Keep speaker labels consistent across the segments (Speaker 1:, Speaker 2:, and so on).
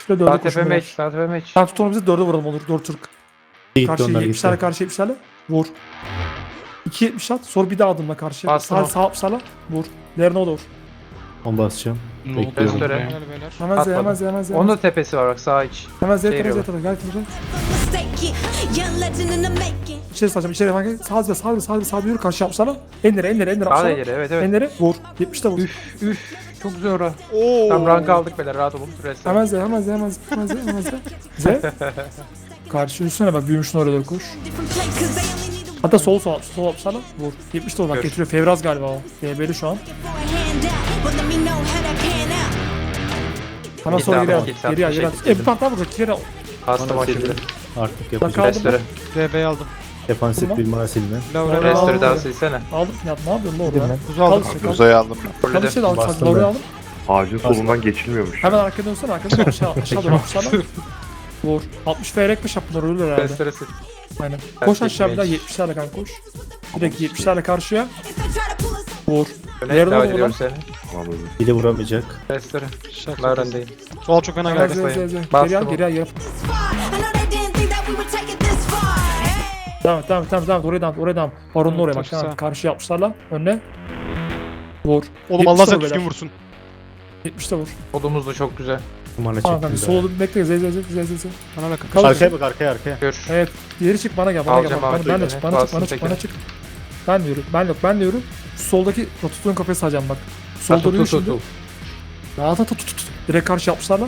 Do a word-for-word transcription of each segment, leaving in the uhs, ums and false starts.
Speaker 1: Şöyle dörde
Speaker 2: Sağ tepe
Speaker 1: koşun.
Speaker 2: meç. Sağ tepe meç.
Speaker 1: Sen tut onu bize dörde vuralım olur. Dört Türk.
Speaker 3: Gitti
Speaker 1: Karşı
Speaker 3: onlar
Speaker 1: yetmişlerle
Speaker 3: gitti.
Speaker 1: karşı yetmişlerle. Vur. iki yetmiş at. Sonra bir daha adımla karşıya.
Speaker 2: Bastım
Speaker 1: Sağ
Speaker 2: o.
Speaker 1: sağ sağla. Vur. Lerine doğru.
Speaker 3: On basacağım.
Speaker 4: Ne
Speaker 3: Bekliyorum.
Speaker 2: Restore.
Speaker 4: Gel beyler.
Speaker 1: Hemen Z
Speaker 2: Atmadım.
Speaker 1: hemen Z hemen Z.
Speaker 2: Onun da tepesi var bak sağ iç.
Speaker 1: Hemen Z
Speaker 2: Şey
Speaker 1: tarafa Z
Speaker 2: veriyorum.
Speaker 1: tarafa. Gel tarafa.
Speaker 5: Mistake, young legend in the making.
Speaker 1: İçeri saçacağım. İçeri hemen gel. Sağa sağ sağ sağ sağ yürü karşı yapsana. Enlere enlere enlere
Speaker 2: Sağ da
Speaker 1: yapsana.
Speaker 2: ileri evet evet.
Speaker 1: Enlere vur. yetmişte vur.
Speaker 2: Üf üf. Çok güzel ora.
Speaker 4: Oo.
Speaker 2: Tam rank aldık beyler rahat olun. Restore.
Speaker 1: Hemen Z hemen Z hemen Z hemen Z hemen Z. Z. Karşı üstüne bak büyümüşsün oraya doğru koş.
Speaker 5: Different place 'cause they only need a
Speaker 1: Hatta sol sol sol yapsana. Vur. yetmişte vur bak
Speaker 2: Gör.
Speaker 1: getiriyor. Fevraz galiba o. D B'li şu an.
Speaker 5: for a handout, but let me know how that pan out.
Speaker 1: Hemen
Speaker 2: Git
Speaker 1: sonra
Speaker 2: abi,
Speaker 1: geri al.
Speaker 2: git,
Speaker 1: Geri al
Speaker 2: bir
Speaker 1: geri al.
Speaker 2: şey
Speaker 1: E bir patlar vuracak. Geri al.
Speaker 2: Bastım o
Speaker 3: Bana
Speaker 2: şimdi.
Speaker 3: sildi. Artık
Speaker 1: Bak
Speaker 3: yapacağım.
Speaker 1: aldım.
Speaker 2: Restore.
Speaker 4: D B'yi aldım.
Speaker 3: Defansif
Speaker 1: Tamam.
Speaker 3: bir mana silme.
Speaker 4: Laura
Speaker 1: Laura-
Speaker 2: Restore daha
Speaker 1: aldım.
Speaker 2: silsene.
Speaker 1: Aldım. Ya ne yapıyorsun lan orada?
Speaker 4: Kuzu aldım.
Speaker 1: Kal-
Speaker 6: Uzayı aldım ben.
Speaker 1: Kal işte de al.
Speaker 3: Bastım
Speaker 1: Oraya
Speaker 3: ben.
Speaker 1: aldım.
Speaker 6: Ağacın solundan geçilmiyormuş.
Speaker 1: Hemen arkaya dönsene. Arkaya dön. Aşağı aşağı doğru aşağı. Vur. altmış F R ekmiş yaptılar ölür herhalde.
Speaker 2: Restore sil.
Speaker 1: Aynen. Koş
Speaker 2: Erkek
Speaker 1: aşağı bir daha
Speaker 2: mage.
Speaker 1: yetmişlerle kanka koş. Direkt yetmişlerle karşıya.
Speaker 5: If they try to pull us
Speaker 1: Vur.
Speaker 2: Öne
Speaker 1: Nerede
Speaker 2: devam
Speaker 1: oldu
Speaker 2: ediyorum
Speaker 1: lan?
Speaker 2: seni.
Speaker 6: Tamam öyle.
Speaker 3: Bir de vuramayacak.
Speaker 2: Restore.
Speaker 4: Şak.
Speaker 2: Larendeyim.
Speaker 4: Sol çok fena
Speaker 1: Hemen
Speaker 4: geldi.
Speaker 1: Z Z
Speaker 2: sayın.
Speaker 1: Z. Geri
Speaker 2: Bastım
Speaker 1: al
Speaker 2: o.
Speaker 1: geri al geri al.
Speaker 5: this far. I know they didn't think that we would take it this far. Hey.
Speaker 1: Devam et devam et devam et devam et. Oraya devam et oraya devam et. Baronun oraya bak.
Speaker 4: Çok
Speaker 1: Devam et.
Speaker 4: güzel.
Speaker 1: Karşı yapmışlarla. Önüne. Vur.
Speaker 4: Oğlum Allah sen
Speaker 1: vur
Speaker 4: düzgün
Speaker 1: beyler.
Speaker 4: vursun.
Speaker 1: yetmişte vur.
Speaker 2: Kolumuz da çok güzel.
Speaker 3: Mana
Speaker 1: Tamam kanka
Speaker 3: çektim.
Speaker 1: solu bir bekle. Z Z Z Z Z Z.
Speaker 4: Bana bakın.
Speaker 1: Kal.
Speaker 3: Arkaya bak arkaya arkaya.
Speaker 2: Gör.
Speaker 1: Evet. Diğeri çık bana gel bana
Speaker 2: Alacağım
Speaker 1: gel. Bana,
Speaker 2: abi,
Speaker 1: ben de
Speaker 2: beni.
Speaker 1: çık bana çık
Speaker 2: Bastım
Speaker 1: bana çık
Speaker 2: tekrar.
Speaker 1: bana çık. Ben de yürü. Ben yok ben de yürü. Soldaki rotasyonun kafayı sağacağım bak. Solda
Speaker 2: Tut
Speaker 1: yürü
Speaker 2: tut tut
Speaker 1: şimdi.
Speaker 2: tut.
Speaker 1: Rahat tut tut tut. Direkt karşı yapmışlarla.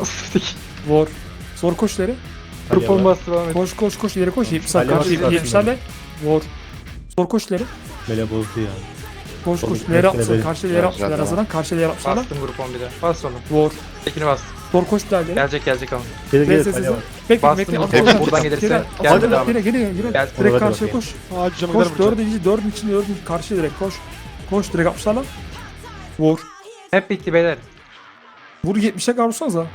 Speaker 1: Vur. Sonra koş ileri.
Speaker 2: Grupon bastı devam et.
Speaker 1: Koş koş koş ileri koş. yetmişler
Speaker 3: Ali
Speaker 1: karşı
Speaker 3: Başkan
Speaker 1: yetmişlerle. Vur. Sonra koş ileri.
Speaker 3: Böyle bozdu ya.
Speaker 1: Koş koş.
Speaker 3: Oğlum,
Speaker 1: İleri
Speaker 3: bekle,
Speaker 1: yapmışlar.
Speaker 3: bekle.
Speaker 1: Karşı ileri
Speaker 6: Güzel,
Speaker 1: yapmışlar.
Speaker 6: güzel,
Speaker 1: Hazırlan. Karşı ileri yapmışlar.
Speaker 2: Bastım grupon bir de. Bas onu.
Speaker 1: Vur.
Speaker 2: Tekini bastım.
Speaker 1: Sonra koş bir daha ileri.
Speaker 2: Gelecek gelecek ama.
Speaker 3: Geri
Speaker 1: Gel
Speaker 3: geri.
Speaker 1: ses
Speaker 3: Kale
Speaker 1: ses.
Speaker 3: var.
Speaker 1: Bekle
Speaker 2: Bastım
Speaker 1: bekle.
Speaker 2: bunu.
Speaker 1: Atla,
Speaker 2: Hep
Speaker 1: atla,
Speaker 2: buradan
Speaker 1: atla.
Speaker 2: gelirse
Speaker 1: Geri,
Speaker 2: geldi
Speaker 1: atla,
Speaker 2: devam
Speaker 1: Geri geri geri.
Speaker 2: Gel.
Speaker 1: Direkt
Speaker 3: Orada
Speaker 1: karşıya
Speaker 3: bakayım.
Speaker 1: koş.
Speaker 4: Aa cücem
Speaker 1: Koş
Speaker 4: gider vuracağım.
Speaker 1: dördüncü dördün içinde dördün karşıya direkt koş. Koş direkt yapmışlarla. Vur.
Speaker 2: Hep bitti beyler.
Speaker 1: Vur yetmişe kavursanıza.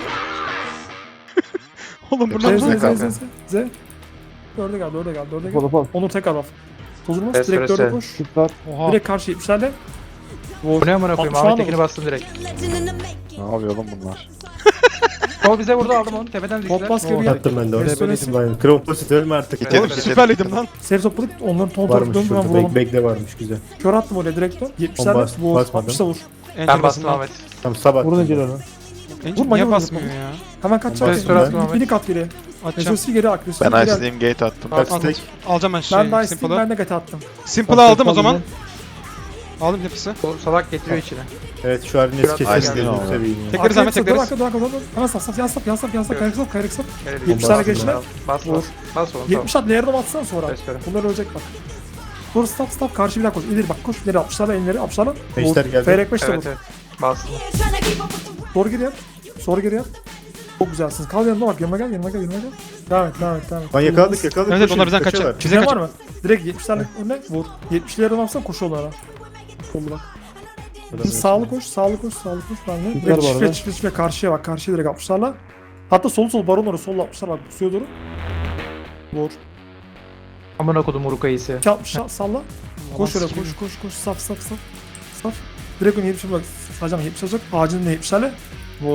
Speaker 4: Oğlum
Speaker 1: Z
Speaker 4: bunlar
Speaker 1: Z
Speaker 6: ne
Speaker 1: Z
Speaker 6: kanka?
Speaker 1: Z Z. Dörde gel dörde gel dörde gel. Onur tekrar bak. Tozulmaz
Speaker 2: Restore
Speaker 1: direkt dörde
Speaker 2: sen.
Speaker 1: koş.
Speaker 4: Oha.
Speaker 1: Direkt karşı yetmişlerle. Vur.
Speaker 2: Bu ne amına koyayım?
Speaker 1: Şu anda
Speaker 2: Ahmet Tekin'i
Speaker 1: vur.
Speaker 2: bastım direkt.
Speaker 5: Young legend in the making.
Speaker 6: Ne yapıyor oğlum bunlar?
Speaker 2: Kol bize vurdu aldım onu. Tepeden
Speaker 1: Top bas
Speaker 2: düştüler.
Speaker 1: geri gel.
Speaker 3: Attım ben de
Speaker 1: Restore
Speaker 3: oraya.
Speaker 1: sil.
Speaker 3: Aynen. Kroposit ölme artık.
Speaker 6: Git
Speaker 4: Oğlum
Speaker 6: Yedim,
Speaker 4: süperliydim lan.
Speaker 1: Seri topladık onların ton
Speaker 3: Varmış
Speaker 1: topu döndü ben
Speaker 3: şurada.
Speaker 1: vuralım.
Speaker 3: Bek, bekle varmış güzel.
Speaker 1: Kör attım oraya direkt dön. yetmişlerle
Speaker 3: Bas-
Speaker 1: vur.
Speaker 3: basmadım.
Speaker 1: altmışta vur.
Speaker 2: Ben bastım Ahmet.
Speaker 3: Tam sabah.
Speaker 1: Vurun Ecel onu.
Speaker 4: Angel
Speaker 1: Vurma,
Speaker 4: niye
Speaker 1: vurma,
Speaker 4: basmıyor
Speaker 1: vurma.
Speaker 4: ya?
Speaker 1: Hemen kaç
Speaker 3: Ben
Speaker 1: çarpı.
Speaker 2: restore atmam.
Speaker 1: Bini kat geri.
Speaker 4: Atacağım.
Speaker 1: Resource'i geri ak. resource'i
Speaker 6: Ben
Speaker 1: geri ak.
Speaker 6: Ice'deyim gate attım.
Speaker 3: Bak
Speaker 4: Al-
Speaker 3: stack.
Speaker 4: Alacağım ben şey.
Speaker 1: Ben de Ice'deyim
Speaker 4: Simple'ı.
Speaker 1: ben de gate attım.
Speaker 4: Simple'ı aldım o zaman. Aldım hepsi.
Speaker 2: O salak getiriyor içine.
Speaker 3: Evet şu halin
Speaker 2: Biraz
Speaker 3: eski
Speaker 6: Ice
Speaker 3: kesin
Speaker 6: değil
Speaker 3: gözünü
Speaker 6: mi?
Speaker 3: seveyim ya.
Speaker 4: Tekleriz Ahmet
Speaker 1: Arkaya
Speaker 4: tekleriz.
Speaker 1: kısa, dur, arkaya, dur, arkaya, dur. Hemen saf saf yan saf yan saf yan saf kayrık saf kayrık saf.
Speaker 2: Evet,
Speaker 1: yetmişler
Speaker 2: bas,
Speaker 1: geçtiler.
Speaker 2: Bas
Speaker 1: Vur.
Speaker 2: bas. Bas onu tamam.
Speaker 1: yetmiş at lerine atsana sonra.
Speaker 2: Restore.
Speaker 1: Bunlar ölecek bak. Dur stop stop karşı bir daha koş. İleri bak koş ileri altmışlarla elleri altmışlarla.
Speaker 3: Beşler geldi.
Speaker 1: Feyrek beşte
Speaker 2: Evet
Speaker 1: vur.
Speaker 2: evet. Bastım.
Speaker 5: Yeah, trying to keep up with the world.
Speaker 1: Doğru geri yap. Sonra geri yap. Çok güzelsiniz. Kal yanıma bak yanıma gel yanıma gel yanıma gel. Devam et devam et devam et.
Speaker 3: Lan yakaladık yakaladık.
Speaker 4: Evet evet
Speaker 3: Koşun,
Speaker 4: onlar bizden
Speaker 3: kaçıyorlar.
Speaker 4: kaçacak. Bize
Speaker 1: Bize var
Speaker 4: kaçacak.
Speaker 1: mı? Direkt yetmişlerle önüne vur. yetmişlerden alsan koşu onlara. Sollu bak. Biz sağlı koş, sağlı koş, sağlı koş. Ben de. Direkt çifre çifre çifre karşıya bak. Karşıya direkt altmışlarla. Hatta sol sol baron orası sol altmışlar bak. Pusuya doğru. Vur.
Speaker 2: Amına kodum Urukayısı.
Speaker 1: iki altmış salla. Koş oraya koş koş koş. Saf saf saf. Saf. Direkt onu yetmişe bak. Sadece yetmiş olacak. Ağacının da yetmişlerle. Vur.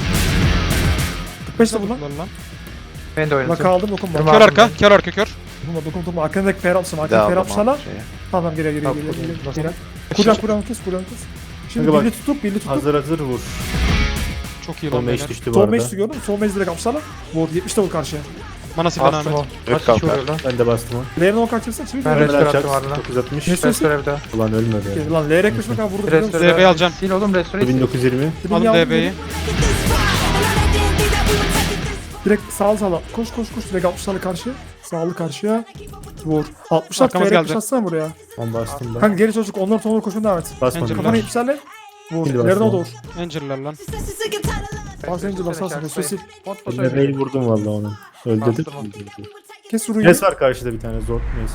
Speaker 1: kırk beş de bu lan.
Speaker 4: Lan.
Speaker 2: Ben de
Speaker 1: Bak
Speaker 2: oynadım.
Speaker 1: aldım dokunma.
Speaker 2: Kırma.
Speaker 4: Kör arka, kör arka kör.
Speaker 1: Dokunma dokunma dokunma. Arkandaki fer atmışsın.
Speaker 6: Bir daha
Speaker 1: Arkandaki fer
Speaker 6: aldım
Speaker 1: atmışlarla.
Speaker 6: abi şeye.
Speaker 1: Tamam geri geri
Speaker 2: Tamam,
Speaker 1: geri geri.
Speaker 2: nasıl?
Speaker 1: geri. Kuran kuran kes kuran kes. Şimdi
Speaker 3: Kanka bak.
Speaker 1: birli tutup birli tutup.
Speaker 3: Hazır hazır vur.
Speaker 4: Çok iyi
Speaker 3: Son
Speaker 4: lan
Speaker 3: meş
Speaker 4: beyler.
Speaker 3: düştü bu
Speaker 1: Sol
Speaker 3: arada.
Speaker 1: meclisi gördün mü? Sol meclisi direkt yapmışlarla. Vur yetmişte vur karşıya.
Speaker 4: Bana silah
Speaker 2: Bastım o.
Speaker 4: Ahmet.
Speaker 2: Kaç
Speaker 6: kanka.
Speaker 2: kişi vuruyor lan?
Speaker 3: Ben de bastım o.
Speaker 1: L'nin o kaçırsa çevir.
Speaker 2: Ben
Speaker 1: Ben
Speaker 2: restore
Speaker 3: Restore
Speaker 2: attım ardından.
Speaker 3: dokuz altmış.
Speaker 1: Restore-
Speaker 2: Restore bir daha.
Speaker 3: Ulan ölmedi ya.
Speaker 1: Lan L R kırk kadar vurdu. biliyor musun?
Speaker 2: Restore.
Speaker 4: D B'yi alacağım.
Speaker 2: Sil oğlum restore sil.
Speaker 3: bin dokuz yüz yirmi.
Speaker 1: Dedim
Speaker 4: Aldım
Speaker 1: ya,
Speaker 4: D B'yi.
Speaker 5: Take it this far. I know they didn't think that we would take it this far.
Speaker 1: Direkt sağ sağla. Koş koş koş. Direkt altmışlarla karşıya. Sağlı karşıya. Vur. altmışlar
Speaker 4: Arkamız
Speaker 1: F R
Speaker 4: geldi.
Speaker 1: kırk atsana buraya.
Speaker 3: On bastım ben.
Speaker 1: Kanka geri çocuk onların sonuna koşun devam et.
Speaker 3: Basmadım.
Speaker 4: Angel.
Speaker 1: Kafana yetmişlerle. Vur.
Speaker 3: Şimdi
Speaker 1: Lerine
Speaker 3: bastım.
Speaker 1: doğru.
Speaker 4: Angel'lar lan.
Speaker 5: Sister, sister, get tired of love.
Speaker 1: Bas Angel basarsın. Resul.
Speaker 2: Bot bot
Speaker 3: Eline
Speaker 2: oynuyor.
Speaker 3: mail vurdum valla onu. Öldürdüm.
Speaker 2: Bastım
Speaker 1: Kes vuruyu.
Speaker 3: Nes var karşıda bir tane zor neyse.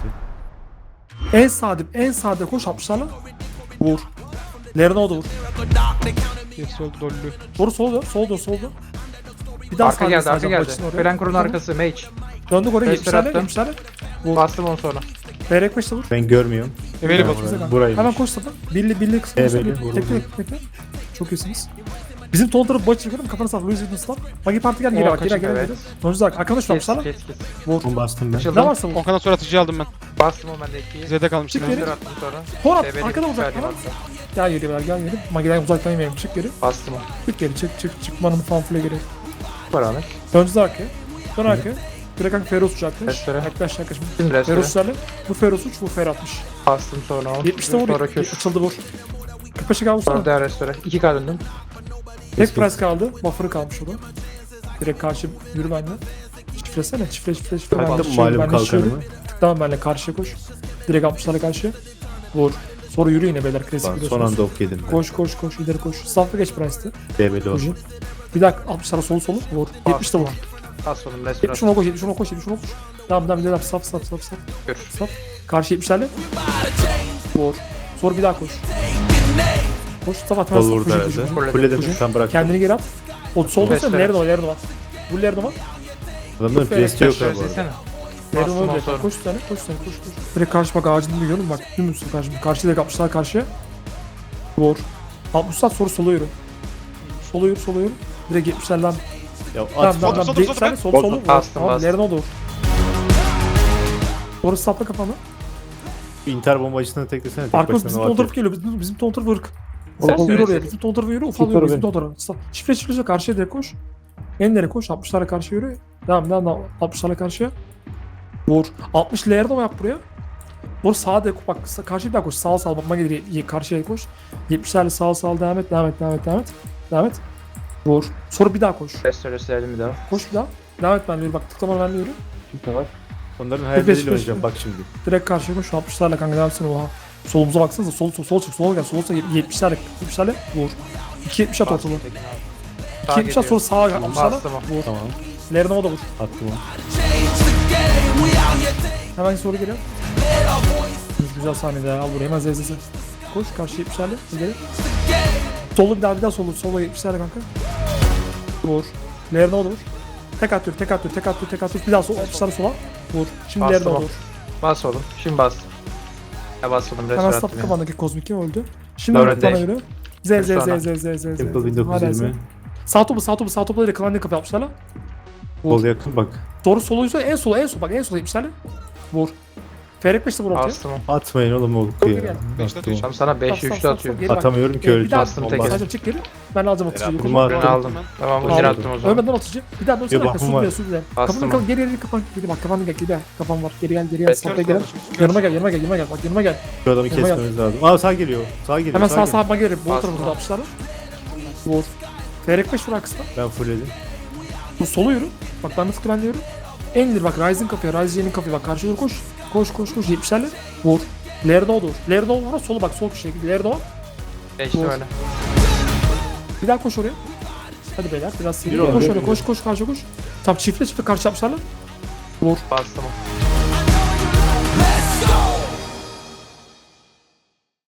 Speaker 1: En sade en sade koş altmışlarla. Vur. Lerine o da vur.
Speaker 4: Gerisi öldü dollü.
Speaker 1: Doğru sol dön. Sol dön sol dön. Bir daha
Speaker 2: Arka
Speaker 1: sağdan
Speaker 2: geldi arka
Speaker 1: sağdan
Speaker 2: geldi.
Speaker 1: başını oraya.
Speaker 2: Ferenkur'un
Speaker 1: Tamam.
Speaker 2: arkası mage.
Speaker 1: Döndük oraya
Speaker 2: Restore
Speaker 1: yetmişlerle
Speaker 2: attım.
Speaker 1: yetmişlerle. Vur.
Speaker 2: Bastım onu sonra.
Speaker 1: F R beşte vur.
Speaker 3: Ben görmüyorum.
Speaker 4: Available.
Speaker 3: Burayı- Burayı.
Speaker 1: Hemen koş safa. Birli birli kısmı.
Speaker 3: Evet,
Speaker 1: Bekle
Speaker 3: evet, vurdum.
Speaker 1: bekle bekle. Çok iyisiniz. Bizim ton tarafı başı çıkıyorum kafana sağ Louis Vuitton'slar. Magi Parti gel geri
Speaker 2: Oo,
Speaker 1: bak geri
Speaker 2: kaçın,
Speaker 1: gel
Speaker 2: evet.
Speaker 1: geri. Sonuçta bak arkadaş
Speaker 2: Kes
Speaker 1: yapmışlar.
Speaker 2: kes kes.
Speaker 1: Vur.
Speaker 3: On bastım ben.
Speaker 1: Ne
Speaker 2: Açıldım.
Speaker 1: varsa vur.
Speaker 4: Okan'dan sonra atıcıyı aldım ben.
Speaker 2: Bastım o bende ikiyi.
Speaker 4: Z'de kalmış.
Speaker 1: Çık
Speaker 4: yine.
Speaker 1: geri.
Speaker 2: Zırh attım sonra.
Speaker 1: Tor
Speaker 2: Develi
Speaker 1: arkada
Speaker 2: bir
Speaker 1: uzak
Speaker 2: saniye
Speaker 1: tamam.
Speaker 2: bastım.
Speaker 1: Gel geri ver gel geri. Magi'den uzaktan yemeyelim çık geri.
Speaker 2: Bastım o.
Speaker 1: Çık geri çık çık çık manımı fanfile geri.
Speaker 2: Var Ahmet.
Speaker 1: Döndüz arkaya. Dön arkaya. Direkt kanka Feroz uç yaklaş.
Speaker 2: Restore.
Speaker 1: Yaklaş yaklaş.
Speaker 2: Şimdi restore.
Speaker 1: Feroz uçlarla. Bu Feroz uç bu Fer atmış.
Speaker 2: Bastım sonra o.
Speaker 1: yetmişte vur.
Speaker 2: Sonra köş.
Speaker 1: Açıldı vur. kırk beşe kaldı
Speaker 2: Sonra
Speaker 1: sonra.
Speaker 2: daha restore. İki K döndüm.
Speaker 1: Tek price kaldı. Buffer'ı kalmış o da. Direkt karşı yürü benimle. Çiftlesene. Çiftle çiftle çiftle.
Speaker 3: Taktım
Speaker 1: Ben de
Speaker 3: malum
Speaker 1: ben de şöyle.
Speaker 3: kalkanımı.
Speaker 1: Tıklamam benimle karşıya koş. Direkt altmışlarla karşıya. Vur. Sonra yürü yine beyler klasik
Speaker 3: Lan son
Speaker 1: biliyorsunuz.
Speaker 3: anda ok yedim ben.
Speaker 1: Koş koş koş ileri koş. Staff'a geç price'tı.
Speaker 3: D B'li ol.
Speaker 1: Vurcu. Bir dakika altmışlara solu solu vur. yetmişte vur.
Speaker 2: Bas oğlum restore.
Speaker 1: yetmiş ona koş yetmiş ona koş yetmiş ona koş. Tamam tamam ileri yap saf saf saf saf.
Speaker 2: Gör.
Speaker 1: Saf. Karşı yetmişlerle. Vur. Sonra bir daha koş. Koş saf at.
Speaker 3: Sol vurdu herhalde.
Speaker 2: Fulledim.
Speaker 3: Fulledim sen bırak.
Speaker 1: Kendini geri at. O solda sen
Speaker 2: Restore.
Speaker 1: nerede o nerede var. Bu nerede var?
Speaker 3: Adamların presti yok ha bu arada.
Speaker 2: Söylesene.
Speaker 1: Nerede
Speaker 2: Bastım
Speaker 1: var?
Speaker 2: o sonra.
Speaker 1: Koş sen koş sen koş koş. Direkt karşı bak ağacını görüyorum bak. Dümdüz karşı. Karşıya direkt altmışlar karşıya. Vur. altmış saat sonra sola yürü. Sola yürü sola yürü. Direkt yetmişler lan.
Speaker 3: Ya
Speaker 1: Tamam
Speaker 3: at.
Speaker 1: tamam
Speaker 4: Sol,
Speaker 1: tamam.
Speaker 4: sol,
Speaker 1: Sol
Speaker 4: sol,
Speaker 1: sol sol
Speaker 3: sol.
Speaker 1: solu.
Speaker 2: Bastım,
Speaker 1: Tamam
Speaker 2: bastım.
Speaker 1: nereden o doğru. Doğru sapla kafanı.
Speaker 3: İnter bombacısını teklesene. Tek
Speaker 1: Arkamız
Speaker 3: başına
Speaker 1: bizim
Speaker 3: o
Speaker 1: ton
Speaker 3: atıyor.
Speaker 1: tarafı geliyor. Bizim, bizim ton tarafı ırk.
Speaker 2: Sen
Speaker 1: Ufal yürü
Speaker 2: söyle.
Speaker 1: oraya. Bizim ton tarafı yürü. Ufal yürü. Bizim ton tarafı. Stop. Çifre çifre karşıya direkt koş. Enlere koş. altmışlara karşı yürü. Devam devam devam. altmışlara karşıya. Vur. altmış layer'da mı yap buraya? Vur sağa direkt bak. sa- Karşıya bir daha koş. Sağa sağa bakma gelir. ye- Karşıya koş. yetmişlerle sağa sağa devam et. Devam et. Devam et. Devam et. Devam et. Vur. Sonra bir daha koş.
Speaker 2: Restore sevdim bir daha.
Speaker 1: Koş bir daha. Devam et benle yürü. Bak tıklama benle yürü.
Speaker 3: Onların
Speaker 1: beş,
Speaker 3: hayalleriyle
Speaker 1: beş,
Speaker 3: oynayacağım bak şimdi.
Speaker 1: Direkt karşıya koş. altmışlarla kanka devam etsene oha. Solumuza baksanıza. Sol sol sol çık. Sola gel. Sola gel. yetmişlerle. yetmişlerle vur. iki yetmiş at ortalığı. iki yetmiş at sonra sağa gel. altmışlarla
Speaker 2: Bastım o.
Speaker 1: vur.
Speaker 3: Tamam.
Speaker 1: Lerine o da vur.
Speaker 3: Attım o.
Speaker 1: Hemen soru geliyor. Güzel sahnede ya. Al buraya hemen zezeze. Koş karşı yetmişlerle. İleri. Solu bir daha bir daha solu. Sola yetmişlerle kanka. Vur. Lerine o da vur. Tek atıyor, tek atıyor, tek atıyor, tek atıyor. Bir daha sol, altmışlarla sola. Vur. Şimdi
Speaker 2: Bastım
Speaker 1: lerine o da
Speaker 2: o.
Speaker 1: vur.
Speaker 2: Bas oğlum. Şimdi bastım. Ya bas oğlum
Speaker 1: Hemen
Speaker 2: restore
Speaker 1: stop
Speaker 2: attım ya.
Speaker 1: kafandaki kozmik kim öldü? Şimdi
Speaker 2: Laura
Speaker 1: öldü bana
Speaker 2: değil.
Speaker 1: yürü. Z z
Speaker 2: Sonra.
Speaker 1: z z z z z.
Speaker 3: Simple bin dokuz yüz
Speaker 1: Hala
Speaker 3: yirmi.
Speaker 1: Z. Sağ topu sağ topu sağ topu ile klan kapı yapmışlar lan.
Speaker 3: Sol yakın bak.
Speaker 1: Doğru soluysa en sola en sol bak en sola yapmışlar lan. Vur. Ferek beşte vur ortaya.
Speaker 2: Bastım o.
Speaker 3: Atmayın oğlum o
Speaker 1: Çok iyi
Speaker 3: ya.
Speaker 1: geldi.
Speaker 4: Beşte
Speaker 3: Attım o.
Speaker 2: Tamam sana beşe
Speaker 1: Stop, stop,
Speaker 2: üçlü
Speaker 1: stop,
Speaker 2: atıyor.
Speaker 1: stop, geri bak.
Speaker 3: Atamıyorum ki
Speaker 1: Bir
Speaker 3: öldü.
Speaker 1: daha
Speaker 2: Bastım
Speaker 3: Bomba
Speaker 2: tekrar.
Speaker 3: attım.
Speaker 1: Sadece çık geri. Ben alacağım atıcıyı.
Speaker 3: Bunu
Speaker 2: Ben
Speaker 3: attım.
Speaker 2: aldım. Tamam
Speaker 1: Aldım.
Speaker 2: geri attım o zaman.
Speaker 1: Ölmeden atıcı. Bir daha dönsene
Speaker 3: Bir
Speaker 1: arkaya.
Speaker 3: bakım
Speaker 1: Su
Speaker 3: var.
Speaker 1: diye su diye.
Speaker 2: Bastım
Speaker 1: Kafanı
Speaker 2: o.
Speaker 1: kalın geri geri kapan. Geri bak kafanı gel geri. Kafan var. Geri gel geri gel.
Speaker 2: Evet,
Speaker 1: Stop'a
Speaker 4: Kör
Speaker 1: gel.
Speaker 4: kalmış, kör
Speaker 1: Yanıma
Speaker 4: kalmış.
Speaker 1: gel yanıma gel yanıma gel. Bak yanıma gel.
Speaker 3: Şu adamı
Speaker 1: Yanıma
Speaker 3: kesmemiz lazım. Aa sağ geliyor. Sağ geliyor.
Speaker 1: Hemen sağ
Speaker 3: geliyor.
Speaker 1: sağa geri. Bol
Speaker 2: Bastım.
Speaker 1: tarafında atmışlar. Vur. Ferek beş vur arkasına.
Speaker 3: Ben fullledim.
Speaker 1: Bu solu yürü. Bak ben nasıl ben de yürü. En ileri bak Ryzen kapıya. Ryzen'in kapıya bak. Karşıya doğru koş. Koş koş koş. yetmişlerle. Vur. Lerdo vur. Lerdo vur. Solu bak sol köşeye. Lerdo var.
Speaker 2: Geçti
Speaker 1: Vur.
Speaker 2: öyle.
Speaker 1: Bir daha koş oraya. Hadi beyler biraz seri.
Speaker 3: Yürü
Speaker 1: Koş
Speaker 3: oğlum,
Speaker 1: oraya
Speaker 3: yürü.
Speaker 1: koş koş karşı koş. Tam çiftle çiftle karşı yapmışlar lan. Vur.
Speaker 2: Bastım o.